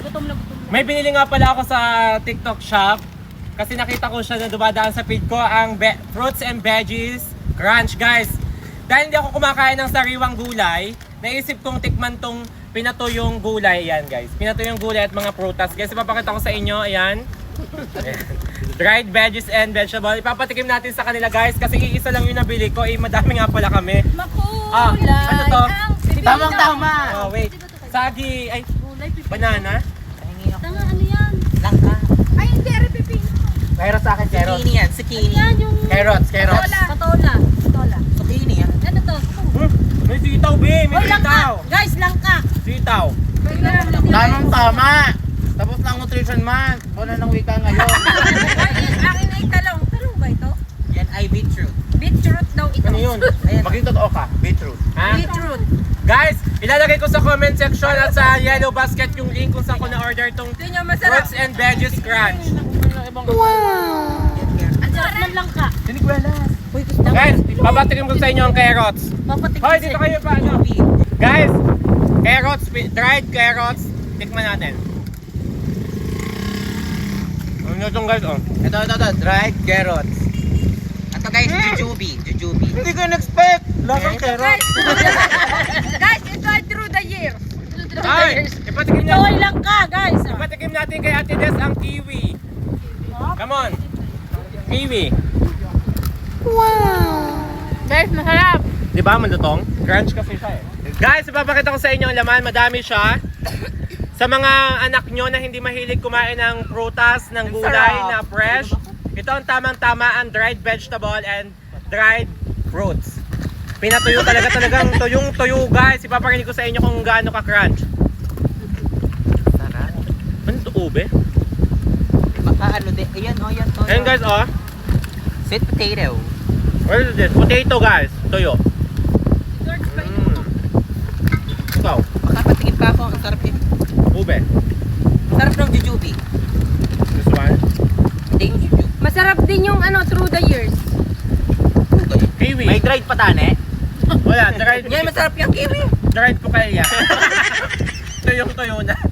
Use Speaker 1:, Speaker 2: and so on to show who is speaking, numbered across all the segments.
Speaker 1: gutom na gutom na.
Speaker 2: May binili nga pala ako sa TikTok shop. Kasi nakita ko siya na dumadaan sa feed ko ang fruits and veggies crunch, guys. Dahil hindi ako kumakain ng sariwang gulay, naisip kong tikman tong pinatuyong gulay. Ayan, guys. Pinatuyong gulay at mga prutas. Guys, ipapakita ko sa inyo. Ayan. Dried veggies and vegetable. Ipapatikim natin sa kanila, guys. Kasi iisa lang yung nabili ko. Madami nga pala kami.
Speaker 1: Makulay.
Speaker 2: Ano to?
Speaker 3: Tamang-tama.
Speaker 2: Oh, wait. Sagi. Ay, banana.
Speaker 1: Tanga, ano yan?
Speaker 3: Langka.
Speaker 1: Ay, hindi, pipino.
Speaker 2: Mayroon sa akin, carrots.
Speaker 3: Zucchini yan, zucchini.
Speaker 1: Yan yung...
Speaker 2: Carrots.
Speaker 1: Patola.
Speaker 3: Zucchini yan.
Speaker 1: Ano to?
Speaker 2: May sitaw, B. May
Speaker 1: Hoy, langka.
Speaker 2: sitaw.
Speaker 1: Guys, langka.
Speaker 2: Sitaw.
Speaker 3: Tamang-tama. Tapos ng nutrition month. Wala ng wika ngayon.
Speaker 1: Akin ay talong. Talong ba ito?
Speaker 3: Yan ay beetroot.
Speaker 1: Beetroot daw ito.
Speaker 2: Ano yun?
Speaker 3: Ayan.
Speaker 2: Maging totoo ka. Beetroot. Ha?
Speaker 1: Beetroot.
Speaker 2: Guys, ilalagay ko sa comment section at sa yellow basket yung link kung saan ko na-order tong
Speaker 1: Ito nyo masarap.
Speaker 2: fruits and veggies crunch.
Speaker 1: Ang sarap ng langka.
Speaker 3: Sinigwelas. Uy, gusto
Speaker 2: Guys, babatikin ko sa inyo ang carrots.
Speaker 1: Papatikin
Speaker 2: Hoy, dito kayo pa. Ano? Guys, carrots, dried carrots. Tikman natin. Ano itong guys, oh?
Speaker 3: Ito, dried carrots. Ito guys, jujube.
Speaker 2: Hindi ko in-expect. Lasang carrots.
Speaker 1: Guys, ito ay through the year.
Speaker 2: Ay, ipatikim
Speaker 1: Ito ay
Speaker 2: natin.
Speaker 1: langka, guys.
Speaker 2: Ipatikim natin kay Ate Des ang kiwi. Come on. Kiwi.
Speaker 1: Guys, masarap.
Speaker 2: Di ba, malutong? Crunch kasi siya eh. Guys, ipapakita ko sa inyo ang laman. Madami siya. Sa mga anak nyo na hindi mahilig kumain ng prutas, ng gulay na fresh, ito ang tamang-tama ang dried vegetable and dried fruits. Pinatuyo talagang tuyong-tuyo, guys. Ipaparinig ko sa inyo kung gaano ka-crunch.
Speaker 3: Sarap.
Speaker 2: Ano ito, ube?
Speaker 3: Baka ano din. Ayan, oh, yan. To,
Speaker 2: Ayan guys, oh.
Speaker 3: Sweet potato.
Speaker 2: What is this? Potato, guys. Tuyo. Ikaw,
Speaker 3: Baka patingin pa ako. Ang sarap din.
Speaker 2: ube.
Speaker 3: Sarap ng jujube.
Speaker 2: Gusto ba?
Speaker 3: Ding jujube.
Speaker 1: Masarap din yung ano, through the years.
Speaker 2: Kiwi.
Speaker 3: May dried patane.
Speaker 2: Wala, dried.
Speaker 3: Yan, masarap yung kiwi.
Speaker 2: Dried po kaya. Tuyong-tuyo na.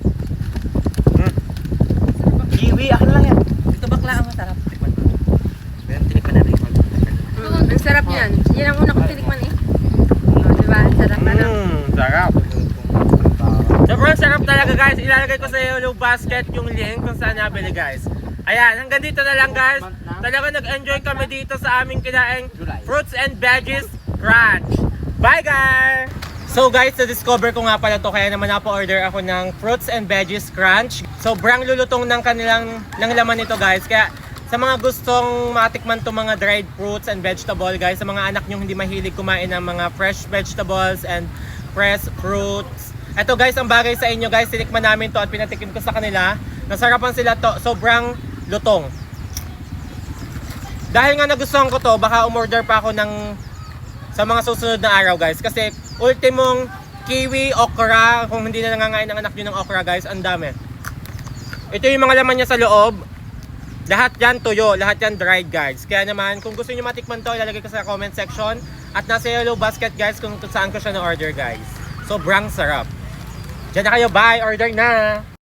Speaker 3: Kiwi, akin lang yan. Ito bakla ang masarap. Tikman mo. Pero tinikman na rin.
Speaker 1: Ang sarap yan. Yan ang una kong tinikman eh. Oh, diba? Ang sarap ano.
Speaker 2: Sarap. Sobrang sarap talaga, guys. Ilalagay ko sa yellow basket yung link kung saan nabili, guys. Ayan, hanggang dito na lang, guys. Talaga nag-enjoy kami dito sa aming kinaing fruits and veggies crunch. Bye, guys! So guys, na-discover ko nga pala to kaya naman napo-order ako ng fruits and veggies crunch. Sobrang lulutong ng kanilang laman nito, guys. Kaya sa mga gustong matikman to mga dried fruits and vegetable, guys, sa mga anak nyo hindi mahilig kumain ng mga fresh vegetables and fresh fruits, eto guys, ang bagay sa inyo, guys. Tinikman namin to at pinatikim ko sa kanila. Nasarapan sila to. Sobrang lutong. Dahil nga nagustuhan ko to, baka umorder pa ako ng sa mga susunod na araw, guys. Kasi ultimong kiwi, okra. Kung hindi na nangangain ang anak nyo ng okra, guys, ang dami. Ito yung mga laman niya sa loob. Lahat yan tuyo, lahat yan dried, guys. Kaya naman, kung gusto niyo matikman to, ilalagay ko sa comment section. At nasa yellow basket, guys, kung saan ko siya na-order, guys. Sobrang sarap. Diyan na kayo, bye! Order na!